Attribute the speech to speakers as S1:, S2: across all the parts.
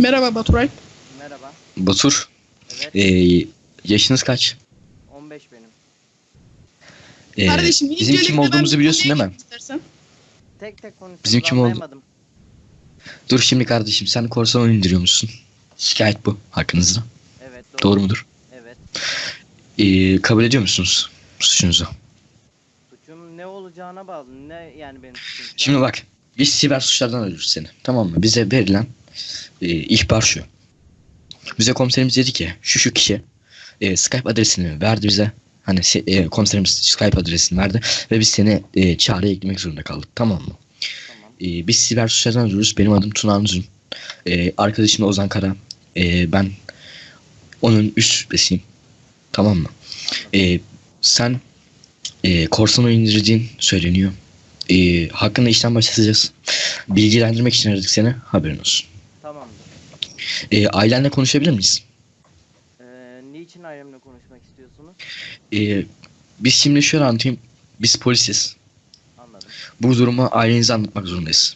S1: Merhaba Baturay.
S2: Merhaba.
S3: Batur,
S2: Evet.
S3: yaşınız kaç?
S2: 15 benim.
S1: Kardeşim
S3: Bizim
S1: öncelikle
S3: kim
S1: ben
S3: olduğumuzu
S1: bir
S3: biliyorsun
S1: konuya
S3: değil mi?
S1: gireyim istersen.
S2: Tek tek konuşsanız
S3: Bizim kim oldu?
S2: anlayamadım.
S3: Dur şimdi kardeşim, sen korsan oyun indiriyor musun? Şikayet bu hakkınızda.
S2: Evet
S3: Doğru mudur?
S2: Evet.
S3: Kabul ediyor musunuz suçunuzu?
S2: Suçum ne olacağına bağlı. Ne yani benim suçum? şu an?
S3: Şimdi bak, biz siber suçlardan arıyoruz seni. Tamam mı? Bize verilen ihbar şu. Bize komiserimiz dedi ki şu kişi Skype adresini verdi bize. Hani komiserimiz Skype adresini verdi ve biz seni çağrıya eklemek zorunda kaldık. Tamam mı?
S2: Tamam.
S3: Biz siber suçlardan arıyoruz. Benim adım Tuna Anzun. Arkadaşım da Ozan Kara. Ben onun üst şüphesiyim. Tamam mı? Sen korsan oyun indirdiğin söyleniyor. Hakkında işlem başlatacağız. Bilgilendirmek için aradık seni. Haberin olsun.
S2: Tamamdır.
S3: Ailenle konuşabilir miyiz?
S2: Niçin ailemle konuşmak istiyorsunuz?
S3: Biz şimdi şöyle anlatayım. Biz polisiz.
S2: Anladım.
S3: Bu durumu ailenize anlatmak zorundayız.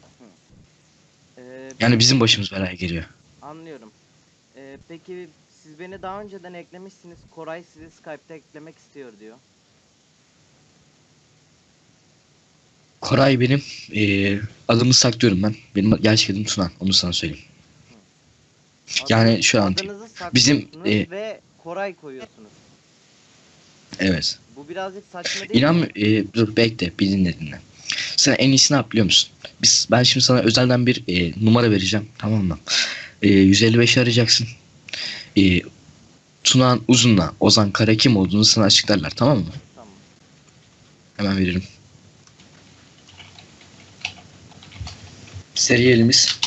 S2: Ee,
S3: Yani bizim başımız belaya geliyor.
S2: Anlıyorum. Peki siz beni daha önceden eklemişsiniz. Koray sizi Skype'te eklemek istiyor diyor.
S3: Koray benim. Adımı saklıyorum ben. Benim gerçek adım Tuna. Onu sana söyleyeyim. Yani şöyle anlatayım.
S2: Adınızı
S3: Bizim,
S2: saklıyorsunuz ve Koray koyuyorsunuz.
S3: Evet.
S2: Bu birazcık saçma değil
S3: İnan
S2: mi?
S3: dur bekle, bir dinle. Sen en iyisi ne yap biliyor musun? Ben şimdi sana özelden bir numara vereceğim, tamam mı? 155'i arayacaksın. Tunağan Uzun'la Ozan Kara kim olduğunu sana açıklarlar, tamam mı?
S2: Tamam.
S3: Hemen veririm. Seriyelimiz.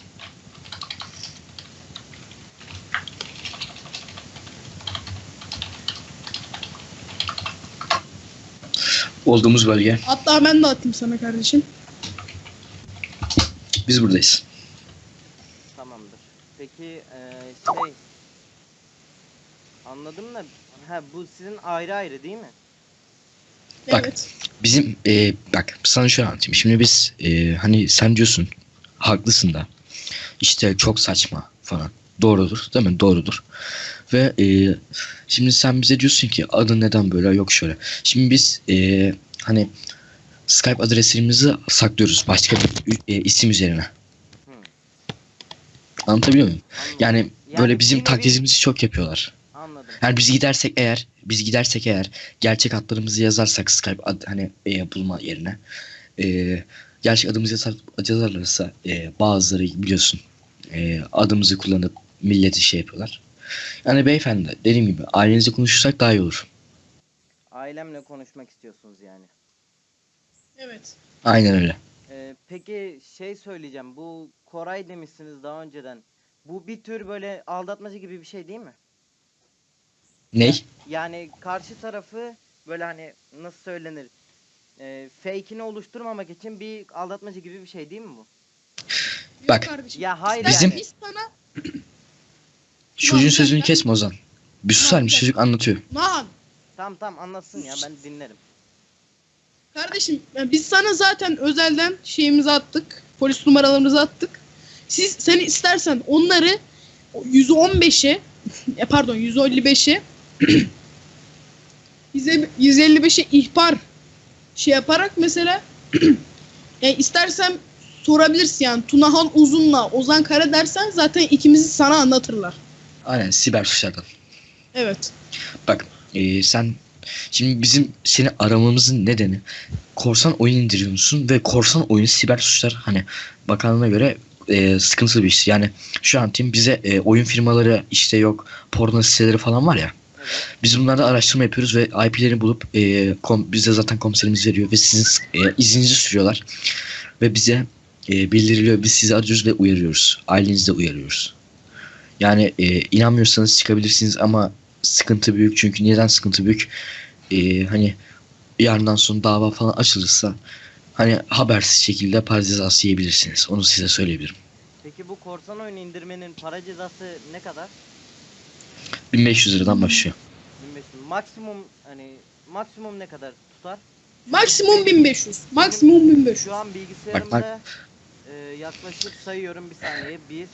S3: Olduğumuz bölge.
S1: Hatta ben de atayım sana kardeşim.
S3: Biz buradayız.
S2: Tamamdır. Peki anladım da bu sizin ayrı ayrı değil mi?
S3: Bak.
S1: Evet.
S3: Bizim bak sana şöyle anlatayım. Şimdi biz hani sen diyorsun haklısın da işte çok saçma falan. Doğrudur değil mi? Doğrudur. Ve şimdi sen bize diyorsun ki adın neden böyle, yok şöyle. Şimdi biz hani Skype adresimizi saklıyoruz başka bir isim üzerine.
S2: Hı.
S3: Anlatabiliyor muyum?
S2: Anladım.
S3: Yani böyle bizim
S2: bir nevi-
S3: taklidimizi çok yapıyorlar.
S2: Anladım.
S3: Yani biz gidersek eğer gerçek adlarımızı yazarsak Skype hani bulma yerine gerçek adımızı yazarlarsa bazıları biliyorsun adımızı kullanıp milleti şey yapıyorlar. Yani beyefendi dediğim gibi ailenizle konuşursak daha iyi olur.
S2: Ailemle konuşmak istiyorsunuz yani.
S1: Evet.
S3: Aynen öyle.
S2: Peki söyleyeceğim. Bu Koray demişsiniz daha önceden. Bu bir tür böyle aldatmacı gibi bir şey değil mi?
S3: Ney?
S2: Yani karşı tarafı böyle hani nasıl söylenir? Fake'ini oluşturmamak için bir aldatmacı gibi bir şey değil mi bu?
S1: Yok
S3: Bak,
S1: kardeşim.
S2: Ya hayır
S3: Bizim-
S2: yani.
S1: Biz sana...
S3: Çocuğun sözünü
S1: dakika.
S3: kesme Ozan. Bir susar mısın? Çocuk anlatıyor.
S1: Lan
S2: Tamam anlatsın ya ben dinlerim.
S1: kardeşim biz sana zaten özelden şeyimizi attık. Polis numaralarımızı attık. Sen istersen onları 115'e pardon 155'e 155'e ihbar şey yaparak mesela istersen sorabilirsin yani Tunahan Uzun'la Ozan Kara dersen zaten ikimizi sana anlatırlar.
S3: Aynen, siber suçlardan.
S1: Evet.
S3: Bak sen şimdi bizim seni aramamızın nedeni korsan oyun indiriyor musun ve korsan oyun siber suçlar hani bakanlığına göre sıkıntılı bir iş. Yani şu an bize oyun firmaları işte yok porno siteleri falan var ya.
S2: Evet.
S3: Biz bunlarda araştırma yapıyoruz ve IP'lerini bulup bize zaten komiserimiz veriyor ve sizin izninizi sürüyorlar ve bize bildiriliyor. Biz sizi arıyoruz ve uyarıyoruz. Ailenizi de uyarıyoruz. Yani inanmıyorsanız çıkabilirsiniz ama sıkıntı büyük, çünkü neden sıkıntı büyük? Hani yarından sonra dava falan açılırsa hani habersiz şekilde para cezası yiyebilirsiniz. Onu size söyleyebilirim.
S2: Peki bu korsan oyunu indirmenin para cezası ne kadar?
S3: 1500 liradan başlıyor.
S2: 1500. Maksimum ne kadar tutar?
S1: Maksimum 1500. Maksimum 1500.
S2: Şu an bilgisayarımda yaklaşık sayıyorum bir saniye. 1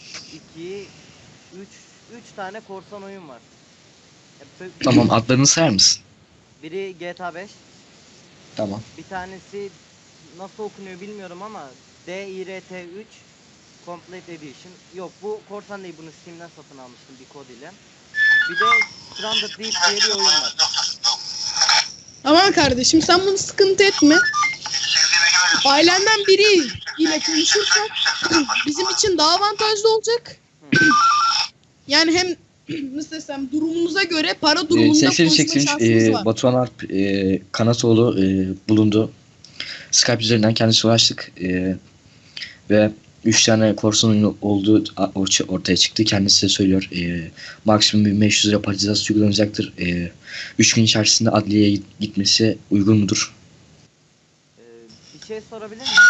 S2: 2, 3 tane korsan oyun var.
S3: Tamam, adlarını sayar mısın?
S2: Biri GTA 5,
S3: Tamam.
S2: bir tanesi nasıl okunuyor bilmiyorum ama DIRT3 Complete Edition. Yok, bu korsan değil, bunu Steam'den satın almıştım bir kod ile. Bir de Stranded Deep diye bir oyun var.
S1: Tamam kardeşim, sen bunu sıkıntı etme. Ailenden biri ile konuşursak bizim için daha avantajlı olacak. Yani hem nasıl desem, durumumuza göre para durumunda
S3: Sesleri
S1: konuşma
S3: çeksin.
S1: şansımız var.
S3: Batuhan Alp Kanatoğlu bulundu. Skype üzerinden kendisi ulaştık. Ve 3 tane korsan oyunu olduğu ortaya çıktı. Kendisi de söylüyor. Maksimum 1500 lira para cezası uygulanacaktır. 3 gün içerisinde adliyeye gitmesi uygun mudur?
S2: Bir şey sorabilir miyim?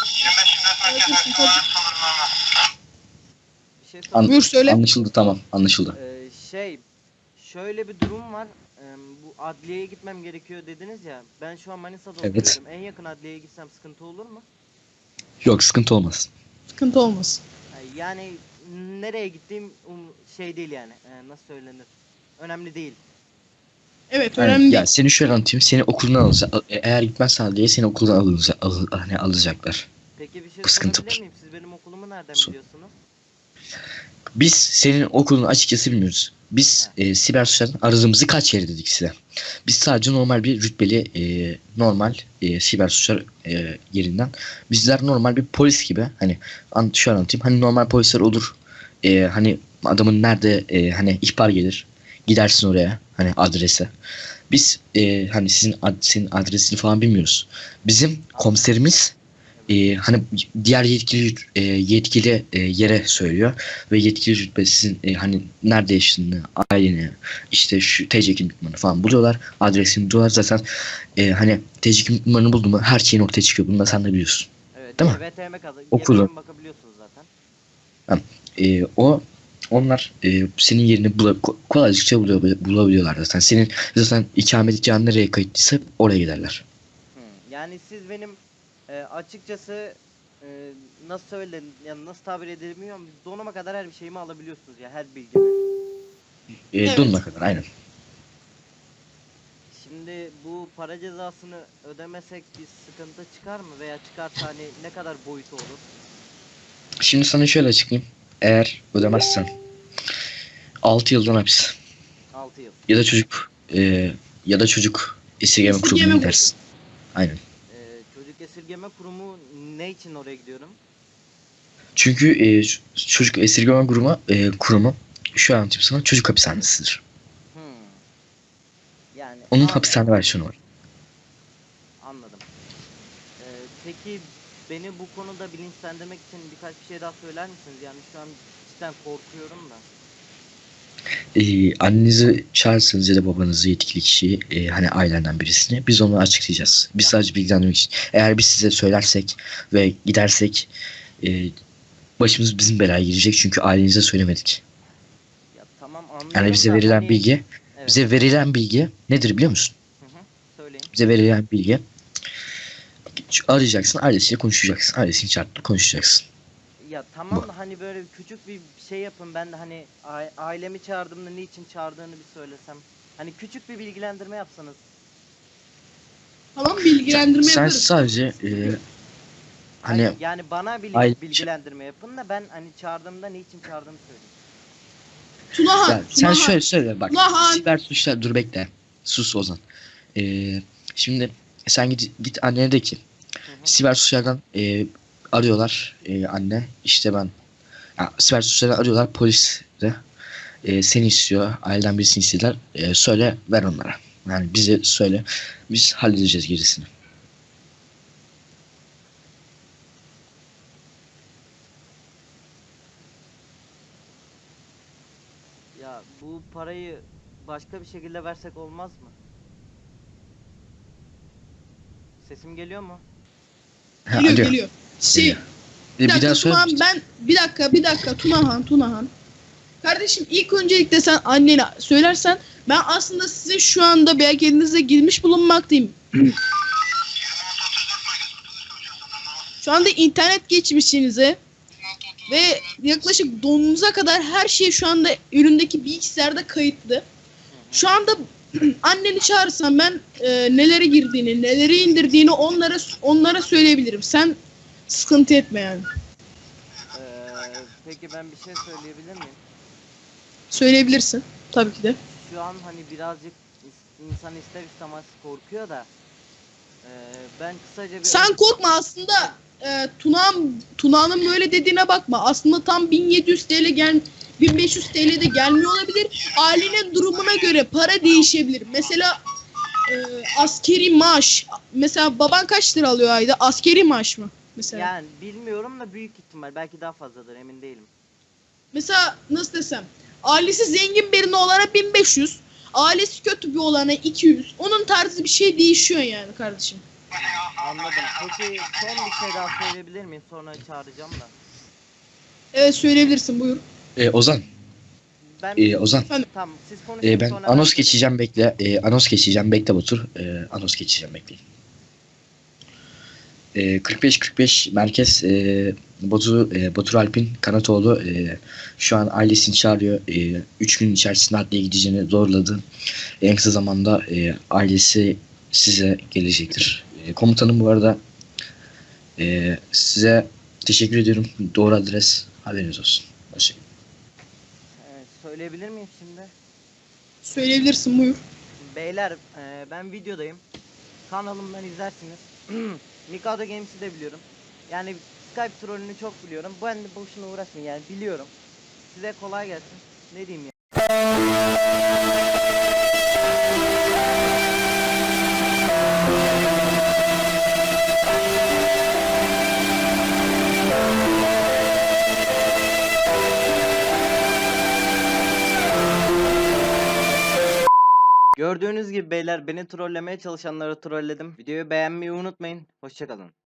S2: Bir şey sorabilir
S1: Buyur söyle.
S3: Anlaşıldı, tamam, anlaşıldı.
S2: Şöyle bir durum var. Bu adliyeye gitmem gerekiyor dediniz ya. Ben şu an Manisa'da
S3: Evet.
S2: oturuyorum. En yakın adliyeye gitsem sıkıntı olur mu?
S3: Yok, sıkıntı olmaz.
S1: Sıkıntı olmasın.
S2: Yani nereye gittiğim şey değil yani. Nasıl söylenir? Önemli değil.
S1: Evet,
S3: Yani,
S1: önemli
S3: ya
S1: değil.
S3: seni şöyle anlatayım. Seni okuldan alacak. Eğer gitmezsen adliyeye seni okuldan alacaklar.
S2: Peki bir şey
S3: Bu sıkıntı
S2: sorabilir
S3: var.
S2: miyim? Siz benim okulumu nereden
S3: Sor.
S2: biliyorsunuz?
S3: Biz senin okulunu açıkçası bilmiyoruz. Biz siber suçlardan aradığımızı kaç yere dedik size. Biz sadece normal bir rütbeli normal siber suçlar yerinden. Bizler normal bir polis gibi, hani şöyle anlatayım. Hani normal polisler olur. Hani adamın nerede hani ihbar gelir. Gidersin oraya, hani adrese. Biz hani senin adresini falan bilmiyoruz. Bizim komiserimiz hani diğer yetkili yere söylüyor ve yetkili rütbe sizin hani nerede yaşadığını, aileni, işte şu TC kimlik numaranı falan buluyorlar, adresini buluyorlar. Zaten hani TC kimlik numaranı buldu mu her şeyin ortaya çıkıyor. Bunu da sen de biliyorsun.
S2: Evet.
S3: Değil mi?
S2: VTM
S3: Okulu.
S2: GB'ye bakabiliyorsunuz zaten.
S3: Onlar senin yerini kolaylıkça bulabiliyorlar zaten. Senin zaten ikametgahın nereye kayıtlıysa oraya giderler.
S2: Yani siz benim açıkçası nasıl söylenir, yani nasıl tabir edilmiyorum, donuma kadar her bir şeyimi alabiliyorsunuz ya, her bilgimi.
S1: Evet.
S3: Donuna kadar, aynen.
S2: Şimdi bu para cezasını ödemesek bir sıkıntı çıkar mı, veya çıkarsa hani ne kadar boyutu olur?
S3: Şimdi sana şöyle açıklayayım. Eğer ödemezsen 6 yıldan hapis
S2: 6 yıl.
S3: ya da çocuk esirgeme kurumuna gidersin. Aynen.
S2: Çocuk esirgeme kurumu ne için oraya gidiyorum?
S3: Çünkü çocuk esirgeme kurumu şu an anlatayım sana, çocuk hapishanesidir.
S2: Yani
S3: Onun
S2: anladım.
S3: hapishane versiyonu var.
S2: Anladım. Peki beni bu konuda bilinçlendirmek için birkaç bir şey daha söyler misiniz? Yani şu an cidden korkuyorum da.
S3: Annenizi çağırırsanız ya da babanızı, yetkili kişiyi, hani ailenden birisini, biz onu açıklayacağız. Biz sadece bilgilendirmek için. Eğer biz size söylersek ve gidersek başımız bizim belaya girecek, çünkü ailenize söylemedik.
S2: Ya tamam, anlıyorum
S3: Yani bize
S2: da
S3: verilen
S2: hani...
S3: bilgi,
S2: Evet.
S3: bize verilen bilgi nedir biliyor musun?
S2: Söyleyin.
S3: Bize verilen bilgi, arayacaksın, ailesiyle konuşacaksın, ailesini çağırıp konuşacaksın.
S2: Ya tamam da hani böyle küçük bir şey yapın, ben de hani ailemi çağırdığımda niçin çağırdığını bir söylesem. Hani küçük bir bilgilendirme yapsanız.
S1: Tamam, bilgilendirme
S3: Sen
S1: yaparız.
S3: sadece hani
S2: Yani bana
S3: Aile-
S2: bilgilendirme yapın da ben hani çağırdığımda niçin çağırdığımı söyleyeyim.
S1: Tunahan,
S3: ya, sen
S1: Tunahan.
S3: şöyle söyle bak.
S1: Ulan!
S3: Siber suçlar, dur bekle. Sus Ozan. Şimdi sen git annene de ki siber suçlardan arıyorlar, anne işte ben siber suçlardan arıyorlar, polis de seni istiyor, aileden birisini istediler, söyle, ver onlara. Yani bize söyle, biz halledeceğiz gerisini.
S2: Ya bu parayı başka bir şekilde versek olmaz mı? Sesim geliyor mu?
S1: Geliyor,
S3: Alo.
S1: geliyor.
S3: Geliyor.
S1: Bir
S3: Bir
S1: dakika
S3: daha söyle.
S1: Tunahan, bir dakika Tunahan. Kardeşim, ilk öncelikle sen annene söylersen, ben aslında size şu anda belki elinize girmiş bulunmaktayım. Şu anda internet geçmişinize ve yaklaşık donunuza kadar her şey şu anda üründeki bilgisayarda kayıtlı. Şu anda anneni çağırsam ben neleri girdiğini, neleri indirdiğini onlara söyleyebilirim. Sen sıkıntı etme yani.
S2: Peki ben bir şey söyleyebilir miyim?
S1: Söyleyebilirsin tabii ki de.
S2: Şu an hani birazcık insan ister istemez korkuyor da ben kısaca bir
S1: Sen korkma aslında Tuna'nın böyle dediğine bakma. Aslında tam 1700 TL 1500 TL de gelmiyor olabilir. Ailenin durumuna göre para değişebilir. Mesela askeri maaş. Mesela baban kaç lira alıyor ayda? Askeri maaş mı? Mesela.
S2: yani bilmiyorum da büyük ihtimal belki daha fazladır, emin değilim.
S1: Mesela nasıl desem? Ailesi zengin birini olana 1500. Ailesi kötü bir olana 200. Onun tarzı bir şey değişiyor yani kardeşim.
S2: Anladım. Peki son bir şey daha söyleyebilir miyim? Sonra çağıracağım da.
S1: Evet söyleyebilirsin buyur.
S3: Ozan,
S2: Ben
S3: Ozan.
S2: tamam, siz konuşun
S3: Ben
S2: sonra
S3: anons
S2: ben
S3: geçeceğim bekle. Anons geçeceğim bekle Batur. Anons geçeceğim bekleyin. 45-45 merkez Batur Alp'in Kanatoğlu şu an ailesini çağırıyor. 3 gün içerisinde adliye gideceğini doğruladı. En kısa zamanda ailesi size gelecektir. Komutanım bu arada size teşekkür ediyorum. Doğru adres haberiniz olsun. Başlayın.
S2: söyleyebilir miyim şimdi?
S1: Söyleyebilirsin buyur.
S2: Beyler ben videodayım. Kanalımdan izlersiniz. Mikado Games'i de biliyorum. Yani Skype trollünü çok biliyorum. Ben de boşuna uğraşmayın yani, biliyorum. Size kolay gelsin. Ne diyeyim ya. Gördüğünüz gibi beyler, beni trollemeye çalışanları trolledim. Videoyu beğenmeyi unutmayın. Hoşçakalın.